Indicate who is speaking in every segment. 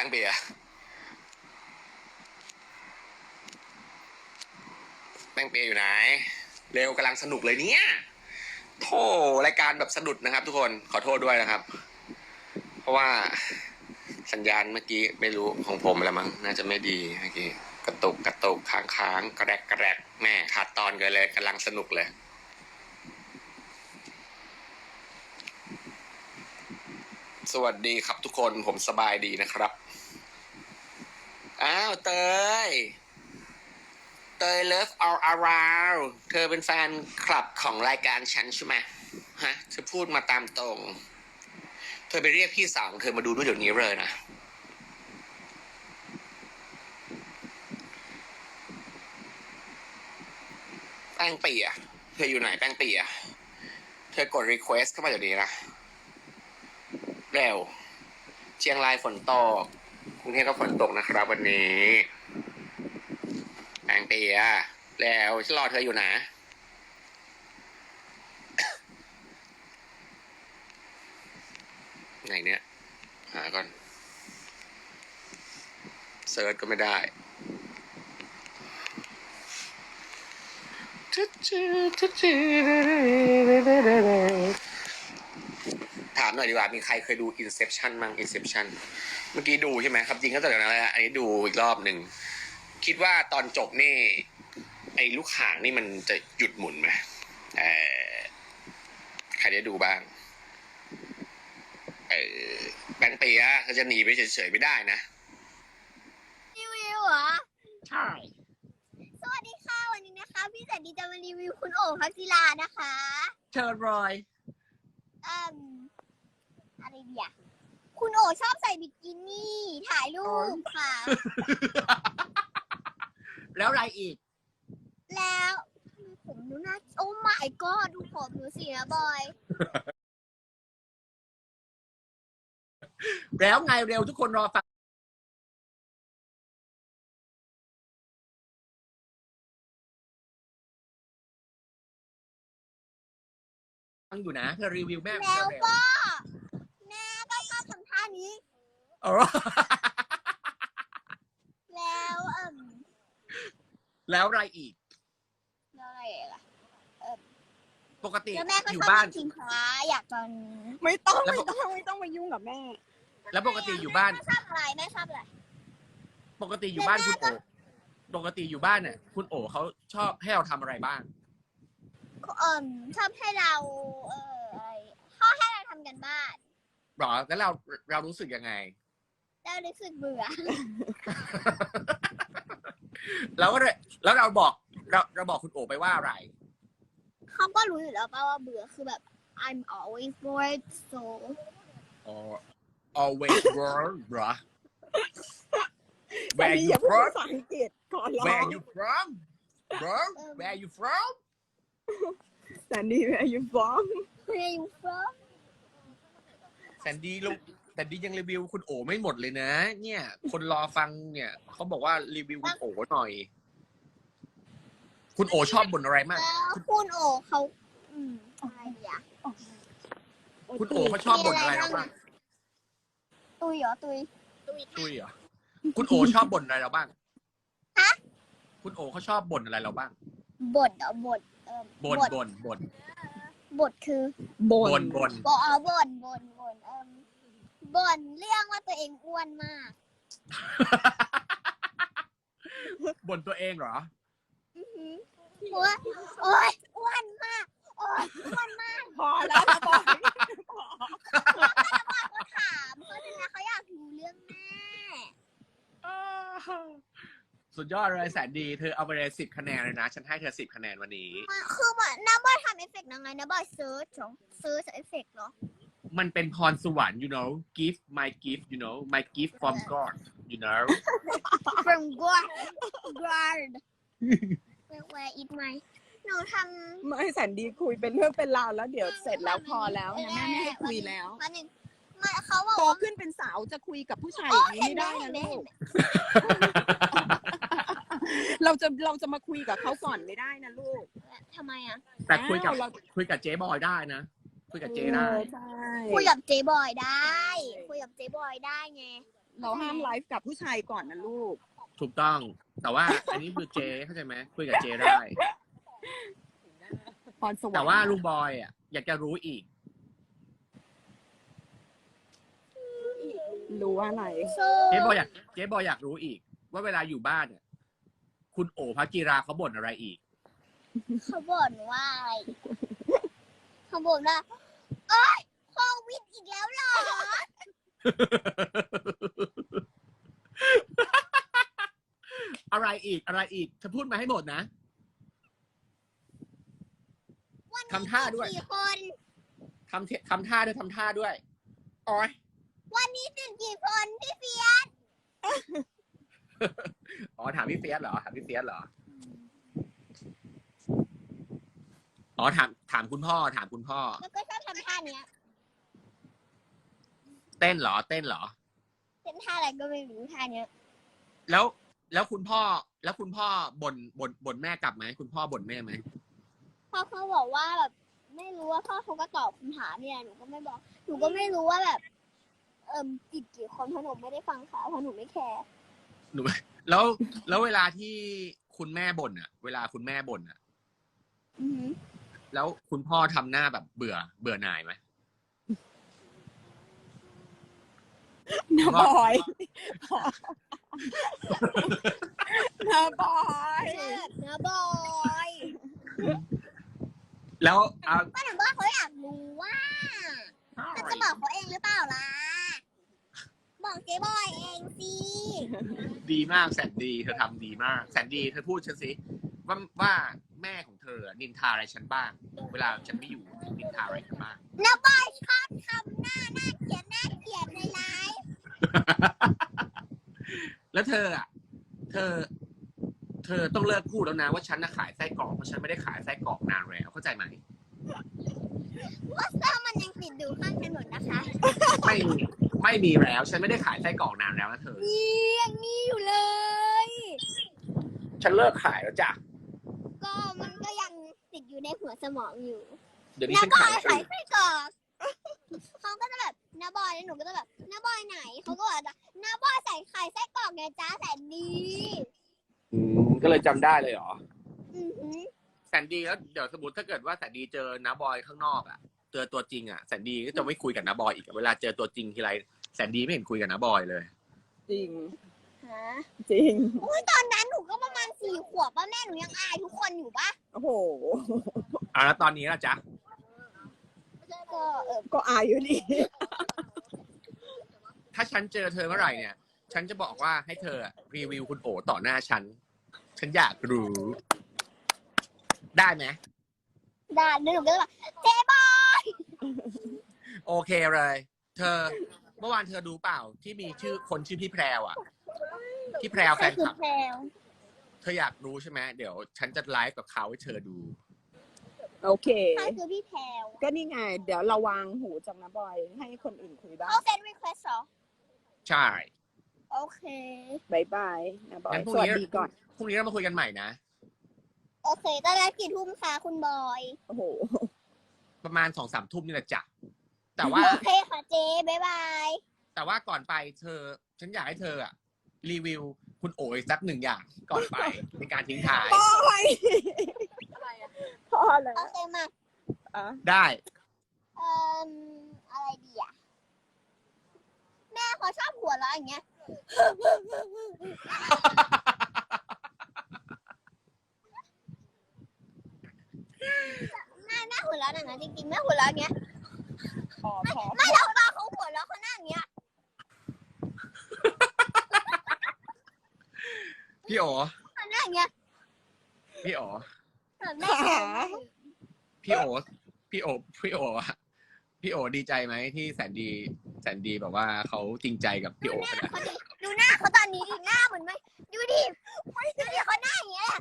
Speaker 1: ป้งเปียแป้งเปียอยู่ไหนเร็วกำลังสนุกเลยเนี่ยโธ่รายการแบบสะดุดนะครับทุกคนขอโทษด้วยนะครับ เพราะว่าสัญญาณเมื่อกี้ไม่รู้ของผมแล้วมั้งน่าจะไม่ดีเมื่อกี้กระตุกค้างกระแรกแม่ขาดตอนกันเลยกำลังสนุกเลยสวัสดีครับทุกคนผมสบายดีนะครับอ้าวเตยLove All Around เธอเป็นแฟนคลับของรายการฉันใช่ไหมฮะเธอพูดมาตามตรงเธอไปเรียกพี่สาวของเธอมาดูด้วยเดี๋ยวนี้เลยนะแป้งเปียเธออยู่ไหนแป้งเปียเธอกด request เข้ามาเดี๋ยวนี้นะเร็วเชียงรายฝนตกกรุงเทพก็ฝนตกนะครับวันนี้แป้งเปียแล้วฉันรอเธออยู่นะไหนเนี่ยหาก่อนเซิร์ชก็ไม่ได้ถามหน่อยดีกว่ามีใครเคยดู Inception มั้ง Inception เมื่อกี้ดูใช่ไหมครับจริงก็แต่นั้นแหละอันนี้ดูอีกรอบหนึ่งคิดว่าตอนจบนี่ไอ้ลูกข่างนี่มันจะหยุดหมุนไหมใครได้ดูบ้างแบงค์เปียเขาจะหนีไปเฉยๆไม่ได้นะ
Speaker 2: รีวิวเหรอ
Speaker 1: ใช่
Speaker 2: สวัสดีค่ะวันนี้นะคะพี่แสนดีจะมารีวิวคุณโอ๋พักศิลานะคะ
Speaker 1: เชิญรอย
Speaker 2: อะไรดีอะคุณโอ๋ชอบใส่บิกินี่ถ่ายรูปค่ะ
Speaker 1: แล้วอะไรอีก
Speaker 2: แล้วผมดูน่าโอ้ my god ดูผมดูสินะบอย
Speaker 1: แล้วไงเร็วทุกคนรอฟังอยู่นะเธอรีวิวแม่
Speaker 2: แล้วก็แม่ก็ชอบทำท่านี้แล้ว
Speaker 1: แล้วอะไรอีก
Speaker 2: อะไรล่ะ
Speaker 1: ปกติ
Speaker 2: แล้วแม่ก็
Speaker 1: อ
Speaker 2: ช
Speaker 1: ยู่
Speaker 2: อบ
Speaker 1: บ้าน
Speaker 2: กินพระอยากตอน
Speaker 3: ไม่ต้องมายุ่งกับแม่
Speaker 1: แล้วปกติอยู่บ้าน
Speaker 2: แม่ชอบอะไรแม่ชอบอะไร
Speaker 1: ปกติอยู่บ้านคุณโอปกติอยู่บ้านเนี่ยคุณโอเขาชอบให้เราทำอะไรบ้าง
Speaker 2: ชอบให้เราเขาให้เราทำกันบ้าน
Speaker 1: หรอแล้วเรารู้สึกยังไง
Speaker 2: เรารู้สึกเบื่อ
Speaker 1: แล้วเราบอกคุณโอไปว่าอะไร
Speaker 2: เขาก็รู้อยู่แล้วป่ะว่าเบื่อคือแบบ I'm always bored so
Speaker 1: always bored หรอ
Speaker 3: Where you from ภาษาอังกฤษก่อนร้อง
Speaker 1: Where you from bro Where you from
Speaker 3: Sandy Where you from
Speaker 2: Where you from
Speaker 1: แซนดี้ยังรีวิวคุณโอไม่หมดเลยนะเนี่ยคนรอฟังเนี่ยเขาบอกว่ารีวิวคุณโอหน่อยคุณโอชอบบ่นอะไรมาก
Speaker 2: คุณโอเขาอะไรอ่ะ
Speaker 1: คุณโอเขาชอบบ่นอะไรเราบ้าง
Speaker 2: ตุยเหรอตุย
Speaker 1: เหรอคุณโอชอบบ่นอะไรเราบ้าง
Speaker 2: ฮะ
Speaker 1: คุณโอเขาชอบบ่นอะไรเราบ้าง
Speaker 2: บ่นเหรอบ่นบทคือ
Speaker 1: บ่น
Speaker 2: บ่นเรื่องว่าตัวเองอ้วนมาก
Speaker 1: บ่นตัวเองเหรอ
Speaker 2: ว่าโอ๊ยอ้วนมาก
Speaker 3: พอแล้วนะบอย
Speaker 2: เขาถามเขาเป็นไรเขาอยากรู้เรื่องแม่
Speaker 1: สุดยอดเลยแสนดีเธอเอาไปเลย10 คะแนนเลยนะฉันให้เธอ10 คะแนนวันนี้
Speaker 2: คือเหมือนน้าบอยทำเอฟเฟกต์ยังไงนะบอยเซิร์ชเอฟเฟกต์เหรอ
Speaker 1: มันเป็นพรสวรรค์ you know gift my gift you know my gift from God you know
Speaker 2: from God where is my หนูทำ
Speaker 3: ไม่แสนดีคุยเป็นเรื่องเป็นราวแล้วเดี๋ยวเสร็จแล้วพอแล้วนะแม่ไม่ให้คุยแล้ว
Speaker 2: เขาบอก
Speaker 3: โตขึ้นเป็นสาวจะคุยกับผู้ชายอย่างนี้ไม่ได้นะลูกเราจะมาคุยกับเขาก่อนไม่ได้นะลูก
Speaker 2: ทำไมอ่ะ
Speaker 1: แต่คุยกับเจ๊บอยได้นะคุยกับเจ๊ได้
Speaker 2: คุยกับเจ๊บอยได้ไง
Speaker 3: เราห้ามไลฟ์กับผู้ชายก่อนนะลูก
Speaker 1: ถูกต้อง แต่ว่าอันนี้คือเจเข้าใจไหมคุยกับเจได้
Speaker 3: พรสวรรค์
Speaker 1: แต่ว่าลุงบอยอ่ะอยากจะรู้อีก
Speaker 3: รู้ว่าอะไร
Speaker 1: เจ๊บอยอยากรู้อีก ว่าเวลาอยู่บ้านเนี่ยคุณโอภกิราเขาบ่นอะไรอีก
Speaker 2: เขาบ่นว่าอะไรเขาบ่นว่าโอ๊ยโควิดอีกแล้วเหรอ
Speaker 1: อะไรอีกเธอพูดมาให้หมดนะ
Speaker 2: วันนี้
Speaker 1: ทำท่าด้วย
Speaker 2: กี่คน
Speaker 1: ทำท่าด้วยโอ้ย
Speaker 2: วันนี้ติดกี่คนพี่เฟียส
Speaker 1: อ๋อถามพี่เฟียสเหรออ๋อถามคุณพ่อ
Speaker 2: แล้วก็ชอบทำท่าเนี้ย
Speaker 1: เต้นเหรอ
Speaker 2: เป็นท่าอะไรก็ไม่รู้ท่าเนี้ย
Speaker 1: แล้วคุณพ่อบ่นแม่กลับไหมคุณพ่อบ่นแม่ไหม
Speaker 2: พ่อเขาบอกว่าแบบไม่รู้ว่าพ่อเขาก็ตอบคำถามเนี่ยหนูก็ไม่บอกหนูก็ไม่รู้ว่าแบบติดกี่คนเพราะหนูไม่ได้ฟังค่ะเพราะหนูไม่แคร์
Speaker 1: หนูแล้วเวลาที่คุณแม่บ่นอ่ะ
Speaker 2: อือหือ
Speaker 1: แล้วคุณพ่อทำหน้าแบบเบื่อหน่ายไหม
Speaker 3: นะบอยนะบอย
Speaker 2: นะบอย
Speaker 1: แล้ว
Speaker 2: ก็หนูว่าเขาอยากรู้ว่าเขาจะบอกเขาเองหรือเปล่าล่ะบอกเจ๊บอยเองสิ
Speaker 1: ดีมากแสนดีเธอทำดีมากแสนดีเธอพูดฉันสิว่าแม่ของเธอนินทาอะไรฉันบ้าง เวลาฉันไม่อยู่นินทาอะไรฉันบ้าง
Speaker 2: นะบอยชอบทำหน้าเกลียดในไลฟ์
Speaker 1: แล้วเธออ่ะเธอต้องเลิกพูดแล้วนะว่าฉันน่ะขายไส้กรอกเพราะฉันไม่ได้ขายไส้กรอกนานแล้วเข้าใจไหม
Speaker 2: ว่าเสื้อมันยังติดอยู่ข้างถนนนะคะ
Speaker 1: ไม่มีแล้วฉันไม่ได้ขายไส้กรอกนานแล้วนะเธอ
Speaker 2: ยังมีอยู่เลย
Speaker 1: ฉันเลิกขายแล้วจ้ะ
Speaker 2: ก็มันก็ยังติดอยู่ในหัวสมองอยู่
Speaker 1: เดี๋ยวนี้
Speaker 2: น้า
Speaker 1: ฉัน
Speaker 2: บอ
Speaker 1: ขาย
Speaker 2: ยขายไส้กรอกเขาก็จะแบบน้าบอยแล้วหนูก็จะแบบน้าบอยไหนเขาก็บอกว่าน้าบอยใส่ไข่ไส้กรอกไงจ้าแสนดี
Speaker 1: ก็เลยจำได้เลยเหรอ
Speaker 2: อือหือ
Speaker 1: แสนดีแล้วเดี๋ยวสมมติถ้าเกิดว่าแสนดีเจอน้าบอยข้างนอกอ่ะเจอตัวจริงอ่ะแสนดีก็จะไม่คุยกับน้าบอยอีกเวลาเจอตัวจริงทีไรแสนดีไม่เห็นคุยกับน้าบอยเลย
Speaker 3: จริง
Speaker 2: ฮะ
Speaker 3: จริง
Speaker 2: อุ้ยตอนนั้นหนูก็ประมาณ4 ขวบป่ะแม่หนูยังอายทุกคนอยู่ป่ะ
Speaker 3: โอ้โห
Speaker 1: แล้วตอนนี้ล่ะจ๊ะ
Speaker 2: ก็
Speaker 3: ก็อายอยู่ดี
Speaker 1: ถ้าฉันเจอเธอเมื่อไหร่เนี่ย ฉันจะบอกว่าให้เธอรีวิวคุณโอต่อหน้าฉันอยากรู้ ได้ไหม
Speaker 2: ด่าแล้วหนูก็จะแบบเจ๊บอย
Speaker 1: โอเคเลย เธอเมื่อวานเธอดูเปล่าที่มีคนชื่อพี่แพรวอ่ะพี่แพรวแฟนคลับ
Speaker 2: แพรว
Speaker 1: เธออยากรู้ใช่ไหมเดี๋ยวฉันจะไลฟ์กับเขาให้เธอดู
Speaker 3: โอเค
Speaker 2: ใครคือพี่แพรว
Speaker 3: ก็นี่ไง เดี๋ยวเราวางหูจากนะบอยให้คนอื่นคุยบ้าง
Speaker 2: เขาเซ็นรีเควสเหรอ
Speaker 1: ใช่
Speaker 2: โอเค
Speaker 3: บายบายนะบอย
Speaker 1: งั้นพรุ่
Speaker 3: ส
Speaker 1: ง
Speaker 3: วัส
Speaker 1: นี้
Speaker 3: ดีก่อน
Speaker 1: พรุ่งนี้เรามาคุยกันใหม่นะ
Speaker 2: โอเคตอนแรกกี่ทุ่มคะคุณบอย
Speaker 3: โอ้โห
Speaker 1: ประมาณ2-3 ทุ่มนี่แหละจ้ะแต่ว่า
Speaker 2: โอเคค่ะเจ๊บ๊ายบาย
Speaker 1: แต่ว่าก่อนไปฉันอยากให้เธออะรีวิวคุณโอ๋อีกสัก1 อย่างก่อนไปในการทิ้งท้าย
Speaker 3: บอยพอแล้ว
Speaker 2: โอเคมา
Speaker 3: อ่ะ
Speaker 1: ได้
Speaker 2: อะไรดีอ่ะแม่เขาชอบหัวเราะอย่างเงี้ยแม่หัวเราะอย่างนั้นจริงๆแม่หัวเราะอย่างเงี้ย
Speaker 3: พอ
Speaker 2: ไม่เราตอนเขาหัวเราะเขาหน้าอย่างเงี้ย
Speaker 1: พี่โอ๋
Speaker 2: เขาหน้าอย่างเงี้ย
Speaker 1: พี่โอ๋
Speaker 2: แบบแม่
Speaker 1: พี่โอ๋อะพี่โอ๋ดีใจไหมที่แสนดีแบบว่าเขาจริงใจกับพี่โอ๋ขนาดนั้น
Speaker 2: ดูหน้าเขาตอนนี้ดิหน้าเหมือนไหมดูดิเขาหน้าอย่างเงี้ย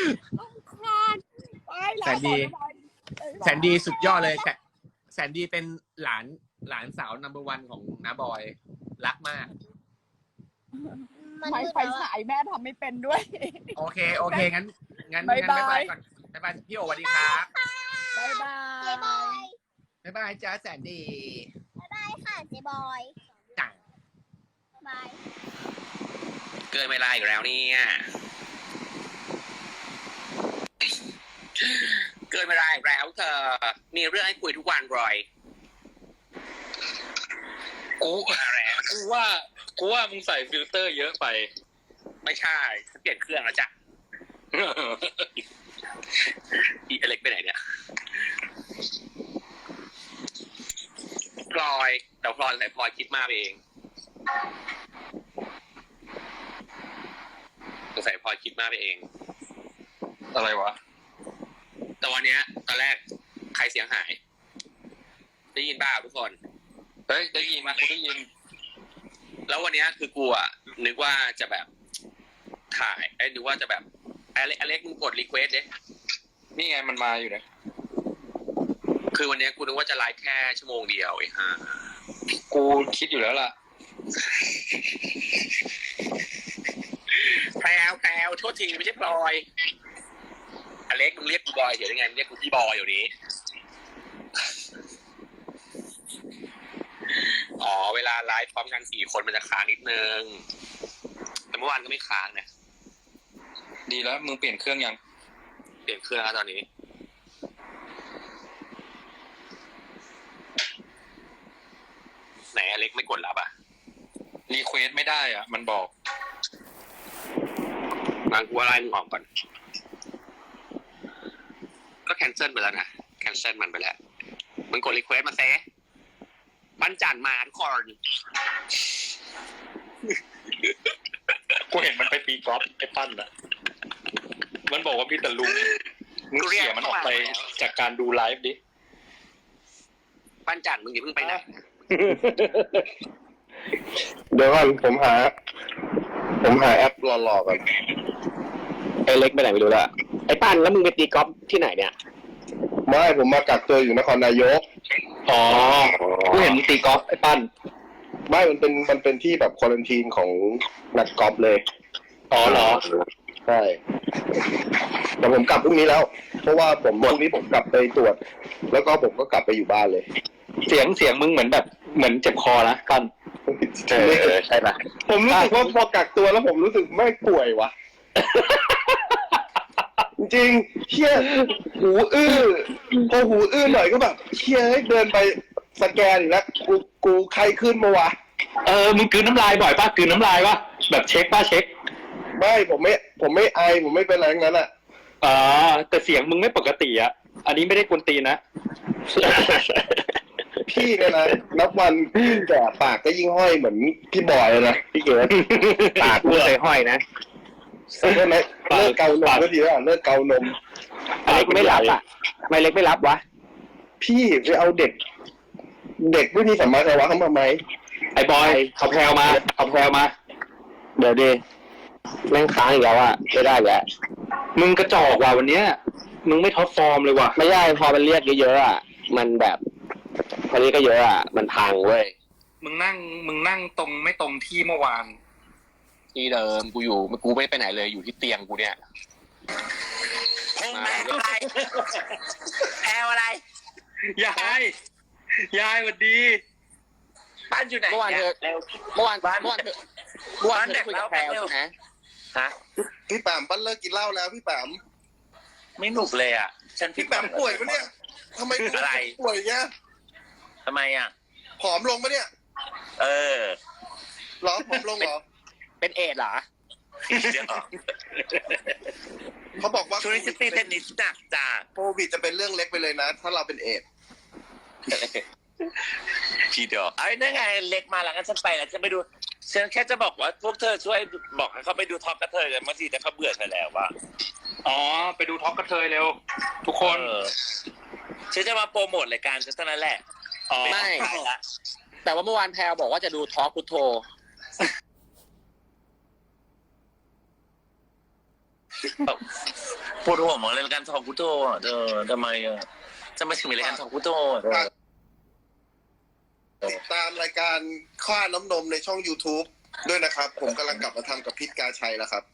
Speaker 3: ไปแล้ว
Speaker 1: แสนดีสุดยอดเลยแสนดีเป็นหลานสาวนัมเบอร์ 1ของน้าบอยรักมาก
Speaker 3: ไม่ไฟฉายแม่ทำไม่เป็นด้วย
Speaker 1: โอเคงั้น
Speaker 3: บ๊ายบาย
Speaker 1: บ๊ายบายก่อนบ๊ายบายพี่โอ๋สวัสดีครับ
Speaker 3: บายบา
Speaker 2: เจ๊บอย
Speaker 3: ย
Speaker 1: บ๊ายบายจ้าแสนดี
Speaker 2: บ๊ายบายค่ะเจ๊บอย
Speaker 1: จ้ะ
Speaker 2: บาย
Speaker 1: เกินเวลาอีกแล้วเนี่ยเกินเวลาอีกแล้วเธอมีเรื่องให้คุยทุกวันรอย
Speaker 4: กูว่ามึงใส่ฟิลเตอร์เยอะไป
Speaker 1: ไม่ใช่ฉันเปลี่ยนเครื่องแล้วจ้ะอีอเล็กไปไหนเนี่ยพลอยแต่พลอยใส่พลอยคิดมากไปเองใส่พลอยคิดมากไปเอง
Speaker 4: อะไรวะ
Speaker 1: แต่วันเนี้ยตอนแรกใครเสียงหายได้ยินบ้าทุกคน
Speaker 4: เฮ้ยได้ยินกูได้ยิน
Speaker 1: แล้ววันเนี้ยคือกูอะนึกว่าจะแบบถ่ายนึกว่าจะแบบอเล็กมึงกดรีเควสดิ
Speaker 4: นี่ไงมันมาอยู่นะ
Speaker 1: คือวันเนี้ยกูนึกว่าจะไลฟ์แค่ชั่วโมงเดียวไอ้ห่า
Speaker 4: กูคิดอยู่แล้วล่ะ
Speaker 1: แพรวโทษทีไม่ใช่พลอยอเล็กมึงเรียกกูบอยเดี๋ยวได้ไงมึงเรียกกูพี่บอยอยู่นี้อ๋อเวลาไลฟ์พร้อมกัน4 คนมันจะค้างนิดนึงแต่เมื่อวานก็ไม่ค้างนะ
Speaker 4: ดีแล้วมึงเปลี่ยนเครื่องยัง
Speaker 1: เปลี่ยนเครื่องแล้วตอนนี้ไหนอเล็กไม่กดรับอ่ะ
Speaker 4: รีเควสไม่ได้อ่ะ มันบอก
Speaker 1: งานกูอะไรมึงออกก่อนก็แคนเซิลไปแล้วนะแคนเซิลมันไปแล้วมึงกดรีเควสมาเซปั้นจันมาทุกคน
Speaker 4: กูเห็นมันไปตีกอล์ฟไอ้ปั้นอ่ะ มันบอกว่าพี่ตะลุงมึงเขี่ยมันออกไปจากการดูไลฟ์ดิ
Speaker 1: ปั้นจันมึงอย่าเพิ่งไปไหน
Speaker 5: เดี๋ยวก่อนผมหาแอปหล่อๆก่อน
Speaker 1: ไอเล็กไปไหนไม่รู้ละไอปั้นแล้วมึงไปตีกอล์ฟที่ไหนเนี่ย
Speaker 5: ไม่ผมมากักตัวอยู่นครนายก
Speaker 4: อ๋อ กูเห็นมึงตีกอล์ฟไอ้ปั้น
Speaker 5: ไม่มันเป็นที่แบบควอรันทีนของนักกอล์ฟเลย
Speaker 4: อ๋อเหรอ
Speaker 5: ใช่แต่ผมกลับพรุ่งนี้แล้ว เพราะว่าพรุ่งนี้ผมกลับไปตรวจ แล้วก็ผมก็กลับไปอยู่บ้านเลย
Speaker 4: เสียงมึงเหมือนแบบเหมือนเจ็บคอนะปั้น
Speaker 5: ใช่ปะผมรู้สึกว่าพอกักตัวแล้วผมรู้สึกไม่ป่วยวะ จริงๆเชี่ยหูอื้อพอหูอื้อหน่อยก็แบบเชี่ยเดินไปสแกนอีกแล้วกูใครขึ้นมาวะ
Speaker 4: มึงกลืนน้ำลายบ่อยป่ะกลืนน้ำลายป่ะแบบเช็คป่ะเช็ค
Speaker 5: ไม่ผมไม่ไอผมไม่เป็นอะไรทั้งนั้นอ่ะ
Speaker 4: แต่เสียงมึงไม่ปกติอ่ะ อันนี้ไม่ได้กวนตีนนะ
Speaker 5: พี่เนี่ยนะนับวันยิ่งแก่ปากก็ยิ่งห้อยเหมือนพี่บอยเลยนะพี่เก๋ปากไม่เคยห้อยนะใช่ไหมเลิกเกานมก็ดีแล้วเลิกเกานม
Speaker 1: เล็กไม่รับอ่ะทำไมเล็กไม่รับวะ
Speaker 5: พี่ไปเอาเด็กไม่มีสัมมาคารวะเข้ามาไหม
Speaker 4: ไอ้บอยเอาแพรวมา
Speaker 1: เดี๋ยวดิแม่งค้างอีกแล้วอ่ะไม่ได้แหละ
Speaker 4: มึงกระจอกว่ะวันเนี้ย มึงไม่ท็อปฟอร์มเลยว่ะ
Speaker 1: ไม่ได้พอมันเรียกเยอะๆอ่ะมันแบบพอนี้ก็เยอะอ่ะมันพังเว้ย
Speaker 4: มึงนั่งตรงไม่ตรงที่เมื่อวาน
Speaker 1: ที่เดิมกูไม่ไปไหนเลยอยู่ที่เตียงกูเนี่ยแพรอะไรแพรอะไร
Speaker 4: ยายสวัสดี
Speaker 1: บ้านอยู่ไหนเมื่อวานเธอเมื่อวานเธอคุยกับแพรใช่ไหมฮะ
Speaker 5: พี่แปมปั้นเลิกกินเหล้าแล้วพี่แปม
Speaker 6: ไม่หนุกเลยอ่ะ ฉัน
Speaker 5: พี่แปมป่วยปะเนี่ยทำไมดูป่วยเงี้ย
Speaker 6: ทำไมอ่ะ
Speaker 5: ผอมลงปะเนี่ย
Speaker 6: เออ
Speaker 5: หรอผอมลงเหรอ
Speaker 1: เป็นเอดเหรอ
Speaker 6: เดี๋ยว
Speaker 5: เขาบอกว่า
Speaker 6: ช่วงนี้ฉันตีเทนนิสหนักจ้า
Speaker 5: โควิดจะเป็นเรื่องเล็กไปเลยนะ ถ้าเราเป็นเอดส์
Speaker 6: ทีเดียวไอ้นั่นไงเล็กมาแล้วงั้นฉันไปแล้วจะไปดูฉันแค่จะบอกว่าพวกเธอช่วยบอกให้เขาไปดูท็อปกระเทยกันบางทีแต่เขาเบื่อเธอแล้วว่า
Speaker 4: อ๋อ ไปดูท็อปกระเทยเร็ว ทุกคน
Speaker 6: ฉันจะมาโปรโมทรายการฉันเท่านั้นแหละ
Speaker 4: อ๋อ
Speaker 1: ไม่ แต่ว่าเมื่อวานแพรบอกว่าจะดูทอล์กพุทโธ
Speaker 6: ปวดหัวหมดเลยรายการทองพุทโธอ่ะเธอทำไมอ่ะจะมาถึงรายการทองพุทโธอ่ะ
Speaker 5: ติดตามรายการข้าน้ำนมในช่อง YouTube ด้วยนะครับ ผมกำลังกลับมาทำกับพิษกาชัยแล้วครับ